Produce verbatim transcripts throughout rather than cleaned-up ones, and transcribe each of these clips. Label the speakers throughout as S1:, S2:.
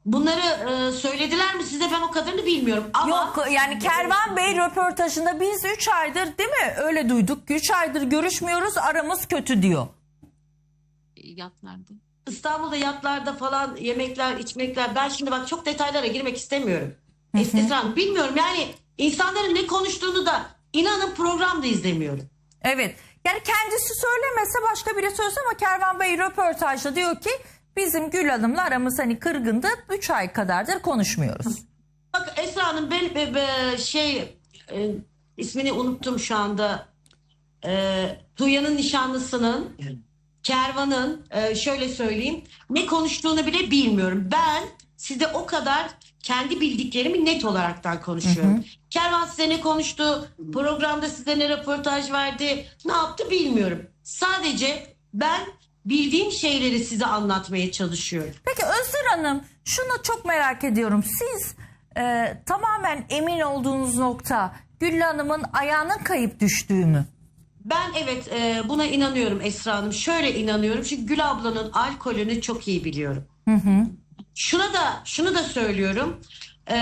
S1: bunları e, söylediler mi size, ben o kadarını bilmiyorum. Ama
S2: Yok yani Kervan Bey röportajında biz üç aydır değil mi öyle duyduk. üç aydır görüşmüyoruz, aramız kötü diyor.
S3: Yatlarda.
S1: İstanbul'da yatlarda falan yemekler, içmekler. Ben şimdi bak çok detaylara girmek istemiyorum. Esra Hanım, bilmiyorum yani insanların ne konuştuğunu da inanın programda izlemiyorum.
S2: Evet. Yani kendisi söylemese başka biri söylese ama Kervan Bey röportajda diyor ki bizim Gül Hanım'la aramız hani kırgındı. üç ay kadardır konuşmuyoruz.
S1: Bak Esra Hanım, ben be, be, şey e, ismini unuttum şu anda. E, Tuğya'nın nişanlısının, Kervan'ın e, şöyle söyleyeyim, ne konuştuğunu bile bilmiyorum. Ben size o kadar kendi bildiklerimi net olaraktan konuşuyorum. Hı hı. Kervan size ne konuştu, programda size ne röportaj verdi, ne yaptı bilmiyorum. Sadece ben bildiğim şeyleri size anlatmaya çalışıyorum.
S2: Peki Özür Hanım, şunu çok merak ediyorum. Siz e, tamamen emin olduğunuz nokta Gül Hanım'ın ayağının kayıp düştüğü mü?
S1: Ben evet e, buna inanıyorum Esra Hanım. Şöyle inanıyorum çünkü Gül ablanın alkolünü çok iyi biliyorum. Hı hı. Şuna da şunu da söylüyorum. E,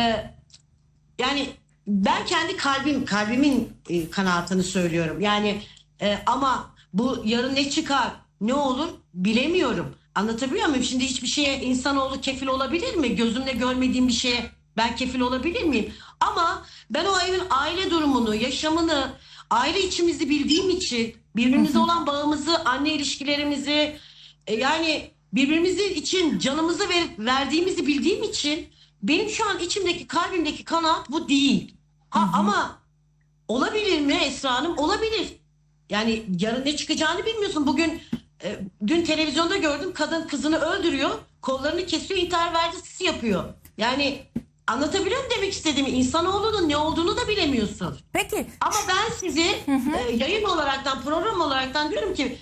S1: yani ben kendi kalbim kalbimin e, kanaatını söylüyorum. Yani e, ama bu yarın ne çıkar, ne olur bilemiyorum. Anlatabiliyor muyum? Şimdi hiçbir şeye insanoğlu kefil olabilir mi? Gözümle görmediğim bir şeye ben kefil olabilir miyim? Ama ben o evin aile durumunu, yaşamını, aile içimizi bildiğim için, birbirimize olan bağımızı, anne ilişkilerimizi, e, yani birbirimizi için canımızı ver, verdiğimizi bildiğim için benim şu an içimdeki, kalbimdeki kanaat bu değil. Ha, hı hı. Ama olabilir mi Esra Hanım? Olabilir. Yani yarın ne çıkacağını bilmiyorsun. Bugün e, dün televizyonda gördüm, kadın kızını öldürüyor, kollarını kesiyor, intihar vergisi yapıyor. Yani anlatabiliyor muyum demek istediğimi? İnsanoğlunun ne olduğunu da bilemiyorsun.
S2: Peki.
S1: Ama ben sizi hı hı. E, yayın olaraktan, program olaraktan diyorum ki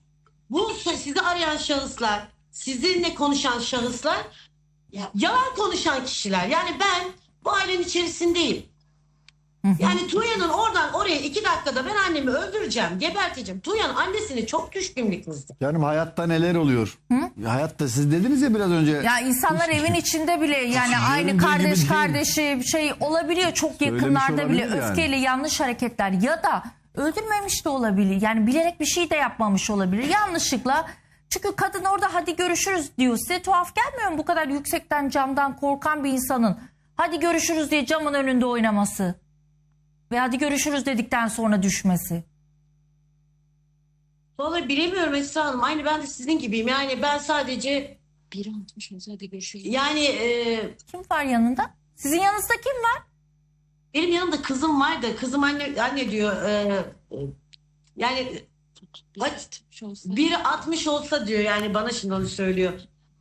S1: bu sizi arayan şahıslar, sizinle konuşan şahıslar ya, yalan konuşan kişiler. Yani ben bu ailenin içerisindeyim. Hı hı. Yani Tuğya'nın oradan oraya iki dakikada ben annemi öldüreceğim, geberteceğim. Tuğya'nın annesini çok düşkünlükmüştü.
S4: Canım hayatta neler oluyor? Hı? Hayatta siz dediniz ya biraz önce.
S2: Ya insanlar evin içinde bile yani aynı kardeş kardeşi şey olabiliyor çok
S4: Söylemiş
S2: yakınlarda bile
S4: yani.
S2: öfkeyle yanlış hareketler ya da öldürmemiş de olabilir. Yani bilerek bir şey de yapmamış olabilir. Yanlışlıkla. Çünkü kadın orada hadi görüşürüz diyor. Size tuhaf gelmiyor mu bu kadar yüksekten camdan korkan bir insanın hadi görüşürüz diye camın önünde oynaması? Ve hadi görüşürüz dedikten sonra düşmesi.
S1: Vallahi bilemiyorum Esra Hanım. Aynı ben de sizin gibiyim. Yani ben sadece
S3: bir altmış olsa hadi görüşürüz.
S1: Yani e,
S2: kim var yanında? Sizin yanınızda kim var?
S1: Benim yanımda kızım var da kızım anne anne diyor. E, e, yani biri altmış olsa diyor, yani bana şimdi onu söylüyor.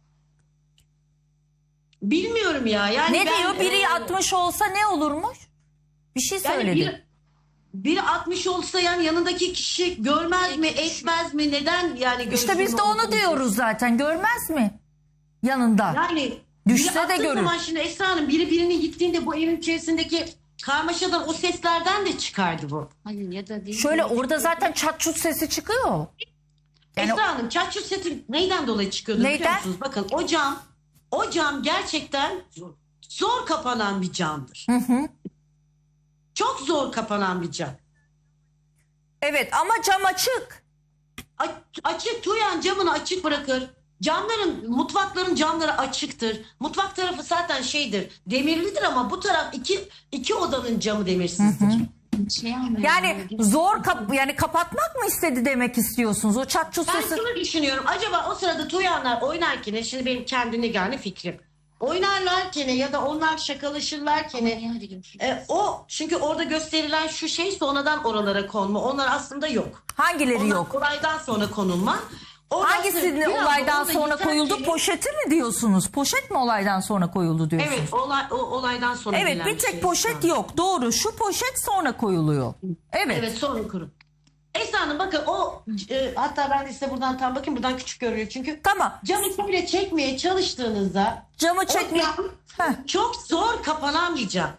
S1: Bilmiyorum ya. Yani
S2: ne
S1: ben,
S2: diyor? Biri
S1: e,
S2: altmış olsa ne olurmuş? Bir şey
S1: yani
S2: söyledi.
S1: biri, biri altmış olsa yani yanındaki kişi görmez mi, etmez mi? Neden yani?
S2: İşte biz de onu diyoruz zaten. Görmez mi? Yanında.
S1: Yani
S2: düşse de görür.
S1: Zaman şimdi Esra Hanım biri birini gittiğinde bu evin içerisindeki karmaşadan, o seslerden de çıkardı bu.
S3: Hayır, ya da değil.
S2: Şöyle orada zaten çat çut sesi çıkıyor.
S1: Yani Esra Hanım çat çut sesi neyden dolayı çıkıyordu
S2: neyden?
S1: biliyor musunuz? Bakın o cam, o cam gerçekten zor, zor kapanan bir camdır. Hı hı. Çok zor kapanan bir cam.
S2: Evet ama cam açık.
S1: A açık, Tuğyan camını açık bırakır. Camların, mutfakların camları açıktır. Mutfak tarafı zaten şeydir, demirlidir ama bu taraf iki iki odanın camı demirsizdir. Hı hı.
S3: Şey
S2: yani zor kap yani kapatmak mı istedi demek istiyorsunuz? O çat çut
S1: ben
S2: sesi.
S1: şunu düşünüyorum. Acaba o sırada Tuğyanlar oynarken, şimdi benim kendine yani fikrim. Oynarlarken ya da onlar şakalaşırlarken e, o çünkü orada gösterilen şu şey sonradan oralara konma. Onlar aslında yok.
S2: Hangileri
S1: onlar
S2: yok?
S1: Olaydan sonra konulma. Oradan
S2: Hangisinin olaydan sonra koyuldu?
S1: Ki,
S2: poşeti mi diyorsunuz? Poşet mi olaydan sonra koyuldu diyorsunuz?
S1: Evet, olay, o olaydan sonra.
S2: Evet, bir tek şey poşet yok. Doğru. Şu poşet sonra koyuluyor. Evet.
S1: Evet, sonra kurun. Esra Hanım bakın o e, hatta ben de size buradan tam bakayım, buradan küçük görünüyor çünkü.
S2: Tamam.
S1: Camı bile çekmeye çalıştığınızda
S2: camı çekmeye
S1: çok zor kapanan bir cam.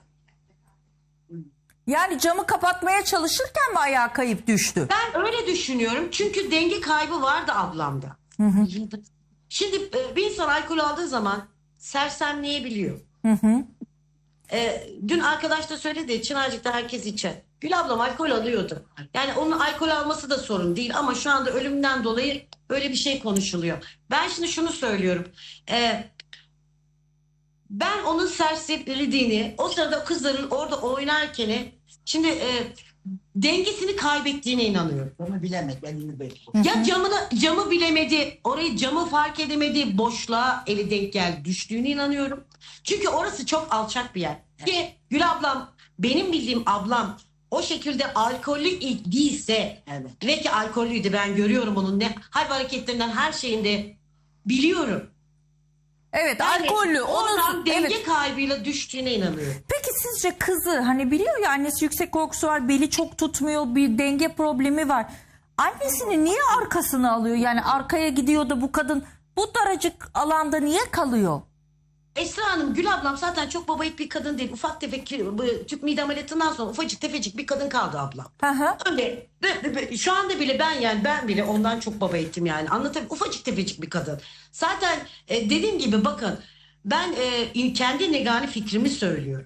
S2: Yani camı kapatmaya çalışırken mi ayağa kayıp düştü?
S1: Ben öyle düşünüyorum çünkü denge kaybı vardı ablamda. Hı hı. Şimdi e, bir insan alkol aldığı zaman sersemleyebiliyor. Ee, dün arkadaş da söyledi, Çınarcık'ta herkes içer. Gül ablam alkol alıyordu. Yani onun alkol alması da sorun değil ama şu anda ölümünden dolayı böyle bir şey konuşuluyor. Ben şimdi şunu söylüyorum. Ee, ben onun serserildiğini, o sırada kızların orada oynarken şimdi e, dengesini kaybettiğine inanıyorum.
S5: Onu bilemez. Ben onu bekliyorum.
S1: Ya camını, camı bilemedi, orayı camı fark edemedi, boşluğa eli denk geldi, düştüğüne inanıyorum. Çünkü orası çok alçak bir yer. Ki Gül ablam, benim bildiğim ablam o şekilde alkollü değilse
S5: Evet.
S1: ve ki alkollüydü, ben görüyorum onun ne hal ve hareketlerinden, her şeyinde biliyorum.
S2: Evet,
S1: Yani
S2: alkollü.
S1: oradan
S2: Onu,
S1: denge
S2: evet.
S1: kaybıyla düştüğüne inanıyorum.
S2: Peki sizce kızı, hani biliyor ya annesi yüksek korkusu var, beli çok tutmuyor, bir denge problemi var. Annesini niye arkasına alıyor? Yani arkaya gidiyor da bu kadın bu daracık alanda niye kalıyor?
S1: Esra Hanım, Gül ablam zaten çok babayit bir kadın değil. Ufak tefek ki- bu tüp mide ameliyatından sonra ufacık tefecik bir kadın kaldı ablam.
S2: Hı hı.
S1: Öyle ve- ve- ve şu anda bile ben yani ben bile ondan çok baba ettim yani. Anlatabiliyor, ufacık tefecik bir kadın. Zaten e, dediğim gibi bakın, ben e, kendi negani fikrimi söylüyorum.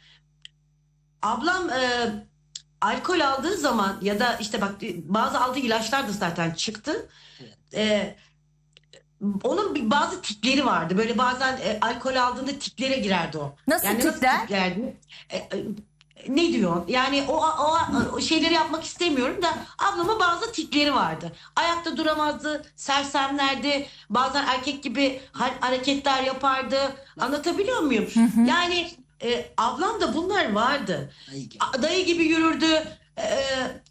S1: Ablam e, alkol aldığı zaman ya da işte bak bazı aldığı ilaçlar da zaten çıktı. E, onun bir bazı tikleri vardı. Böyle bazen e, alkol aldığında tiklere girerdi o.
S2: Nasıl
S1: yani
S2: tikler?
S1: Nasıl tiklerdi? E, e, ne diyor? Yani o, o, o şeyleri yapmak istemiyorum da ablama bazı tikleri vardı. Ayakta duramazdı, sersemlerdi. Bazen erkek gibi ha- hareketler yapardı. Anlatabiliyor muyum? Yani e, ablam da bunlar vardı.
S5: Dayı gibi.
S1: A- Dayı gibi yürürdü. E,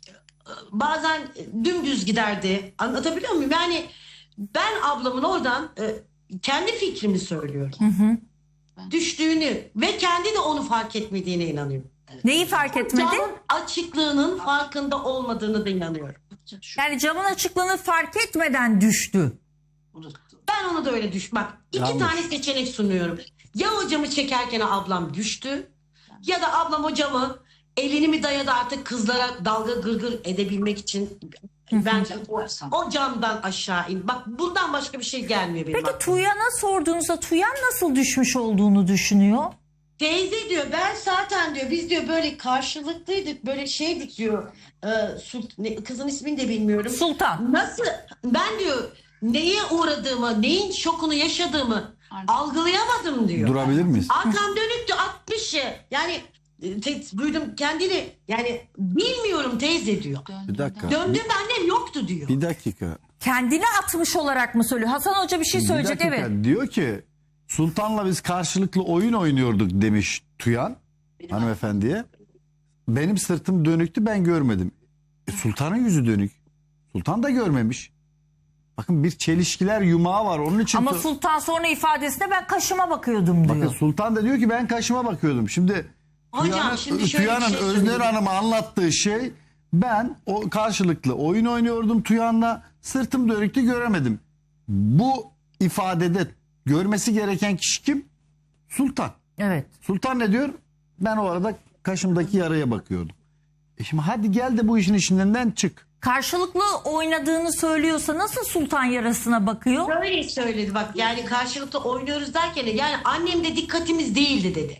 S1: bazen dümdüz giderdi. Anlatabiliyor muyum? Yani ben ablamın oradan e, kendi fikrimi söylüyorum. Düştüğünü ve kendi de onu fark etmediğine inanıyorum.
S2: Neyi fark etmedi?
S1: Camın açıklığının farkında olmadığını da inanıyorum.
S5: Şu
S2: Yani camın açıklığını fark etmeden düştü.
S5: unuttu.
S1: Ben onu da öyle düş. Bak, iki
S4: Yanlış.
S1: tane seçenek sunuyorum. Ya o camı çekerken ablam düştü ya da ablam o camı elini mi dayadı artık kızlara dalga gırgır edebilmek için. Ben o, o camdan aşağı in. Bak, bundan başka bir şey gelmiyor benim
S2: Peki
S1: aklıma.
S2: Tuyan'a sorduğunuzda Tuyan nasıl düşmüş olduğunu düşünüyor?
S1: Teyze diyor, ben zaten diyor biz diyor böyle karşılıklıydık, böyle şeydik diyor. Ee, Sult- ne- kızın ismini de bilmiyorum.
S2: Sultan.
S1: Nasıl ben diyor neye uğradığımı, neyin şokunu yaşadığımı
S3: Aynen.
S1: algılayamadım diyor.
S4: Durabilir miyiz?
S1: Arkam dönüktü altmış ya. Yani e, te- duydum kendini, yani bilmiyorum teyze diyor.
S4: Bir dakika.
S1: Döndüğümde annem yoktu diyor.
S4: Bir dakika.
S2: Kendini atmış olarak mı söylüyor? Hasan Hoca bir şey
S4: Bir
S2: söyleyecek,
S4: dakika.
S2: evet.
S4: Diyor ki Sultan'la biz karşılıklı oyun oynuyorduk demiş Tuyan hanımefendiye. Benim sırtım dönüktü, ben görmedim. E, Sultan'ın yüzü dönük. Sultan da görmemiş. Bakın, bir çelişkiler yumağı var. Onun için
S2: Ama
S4: tu-
S2: Sultan sonra ifadesinde ben kaşıma bakıyordum diyor.
S4: bakın, Sultan da diyor ki ben kaşıma bakıyordum. Şimdi
S1: Hocam,
S4: Tuyan'ın,
S1: şimdi şöyle bir
S4: Tuyan'ın
S1: şey
S4: Özner
S1: söyleyeyim.
S4: Hanım'a anlattığı şey, ben o karşılıklı oyun oynuyordum Tuyan'la, sırtım dönüktü, göremedim. Bu ifadede görmesi gereken kişi kim? Sultan.
S2: Evet.
S4: Sultan ne diyor? Ben o arada kaşımdaki yaraya bakıyordum. E şimdi hadi gel de bu işin içinden çık.
S2: Karşılıklı oynadığını söylüyorsa nasıl Sultan yarasına bakıyor?
S1: Böyle söyledi bak, yani karşılıklı oynuyoruz derken yani annem de dikkatimiz değildi dedi.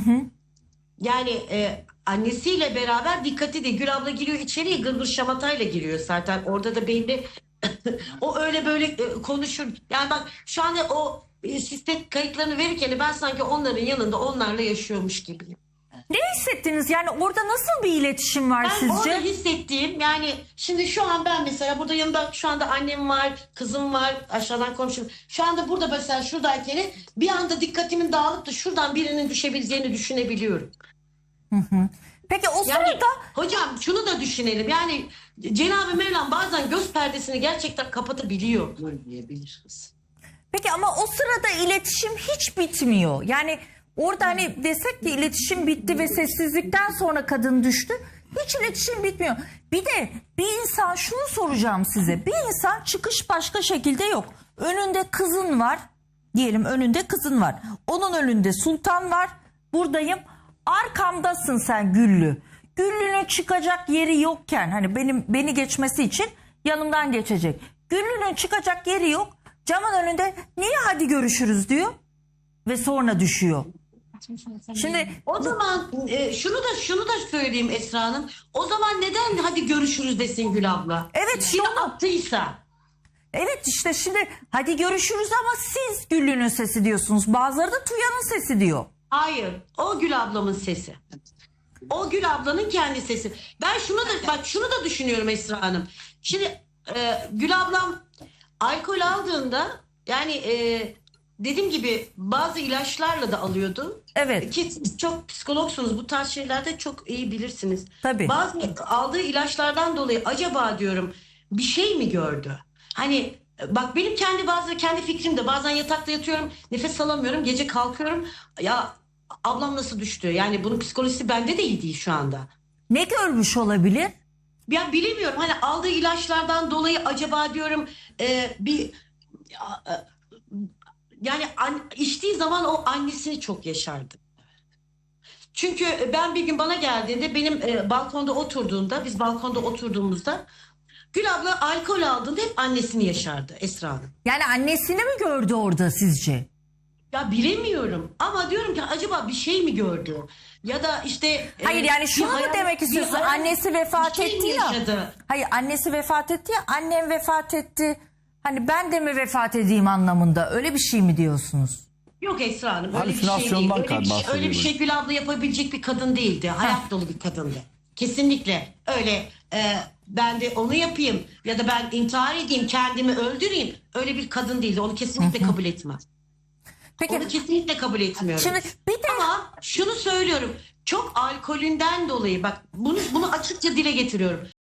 S1: Yani e, annesiyle beraber dikkati de, Gül abla giriyor içeriye, gırgır şamatayla giriyor zaten. Orada da belli o öyle böyle e, konuşur. Yani bak şu anda o e, sistem kayıtlarını verirken ben sanki onların yanında onlarla yaşıyormuş gibiyim.
S2: Ne hissettiniz? Yani orada nasıl bir iletişim var
S1: Ben orada
S2: sizce?
S1: hissettiğim, yani şimdi şu an ben mesela burada yanımda şu anda annem var, kızım var, aşağıdan komşum. Şu anda burada mesela şuradayken bir anda dikkatimin dağılıp da şuradan birinin düşebileceğini düşünebiliyorum.
S2: Peki o
S1: Yani
S2: sırada
S1: hocam şunu da düşünelim, yani Cenab-ı Mevlam bazen göz perdesini gerçekten kapatabiliyor.
S5: Görmeyebilir kız.
S2: peki ama o sırada iletişim hiç bitmiyor. Yani orada hani desek ki iletişim bitti ve sessizlikten sonra kadın düştü. Hiç iletişim bitmiyor. Bir de bir insan, şunu soracağım size. Bir insan çıkış başka şekilde yok. Önünde kızın var. Diyelim önünde kızın var. Onun önünde Sultan var. Buradayım. Arkamdasın sen Güllü. Güllü'nün çıkacak yeri yokken, hani benim beni geçmesi için yanımdan geçecek. Güllü'nün çıkacak yeri yok. Camın önünde niye hadi görüşürüz diyor. ve sonra düşüyor. Şimdi
S1: O zaman e, şunu da şunu da söyleyeyim Esra Hanım. O zaman neden hadi görüşürüz desin Gül abla?
S2: Evet, işte
S1: Yine
S2: onu-
S1: attıysa.
S2: evet işte şimdi hadi görüşürüz ama siz Güllü'nün sesi diyorsunuz. Bazıları da Tuyan'ın sesi diyor.
S1: Hayır. O Gül ablamın sesi. O Gül ablanın kendi sesi. Ben şunu da bak şunu da düşünüyorum Esra Hanım. Şimdi e, Gül ablam alkol aldığında yani e, dediğim gibi bazı ilaçlarla da alıyordu.
S2: Evet.
S1: Ki siz çok psikologsunuz. Bu tarz şeylerde çok iyi bilirsiniz.
S2: Tabii.
S1: Bazı aldığı ilaçlardan dolayı acaba diyorum bir şey mi gördü? Hani bak benim kendi bazı kendi fikrim de bazen yatakta yatıyorum, nefes alamıyorum, gece kalkıyorum. Ya ablam nasıl düştü? Yani bunun psikolojisi bende de iyi değil şu anda.
S2: Ne görmüş olabilir?
S1: Ya bilemiyorum hani aldığı ilaçlardan dolayı acaba diyorum e, bir ya, e, yani an, içtiği zaman o annesini çok yaşardı. Çünkü ben bir gün bana geldiğinde benim e, balkonda oturduğunda biz balkonda oturduğumuzda Gül abla alkol aldığında hep annesini yaşardı Esra Hanım.
S2: Yani annesini mi gördü orada sizce?
S1: Ya bilemiyorum ama diyorum ki acaba bir şey mi gördü? Ya da işte... e,
S2: Hayır yani
S1: bir
S2: şunu mu
S1: hayal-
S2: demek
S1: bir
S2: istiyorsun?
S1: hayal-
S2: Annesi vefat
S1: bir şey
S2: etti
S1: mi
S2: ya.
S1: yaşadı?
S2: Hayır annesi vefat etti ya, annem vefat etti. Hani ben de mi vefat edeyim anlamında, öyle bir şey mi diyorsunuz?
S1: Yok Esra Hanım öyle bir şey değil.
S4: Halüsinasyondan
S1: Öyle bir şey,
S4: bahsediyor
S1: öyle bir şey Gül abla yapabilecek bir kadın değildi. Hayat dolu bir kadındı. Kesinlikle öyle e, ben de onu yapayım ya da ben intihar edeyim kendimi öldüreyim. Öyle bir kadın değildi. Onu kesinlikle kabul etmem.
S2: Peki
S1: Onu kesinlikle kabul etmiyorum.
S2: şimdi bir de
S1: Ama şunu söylüyorum. Çok alkolünden dolayı bak bunu bunu açıkça dile getiriyorum.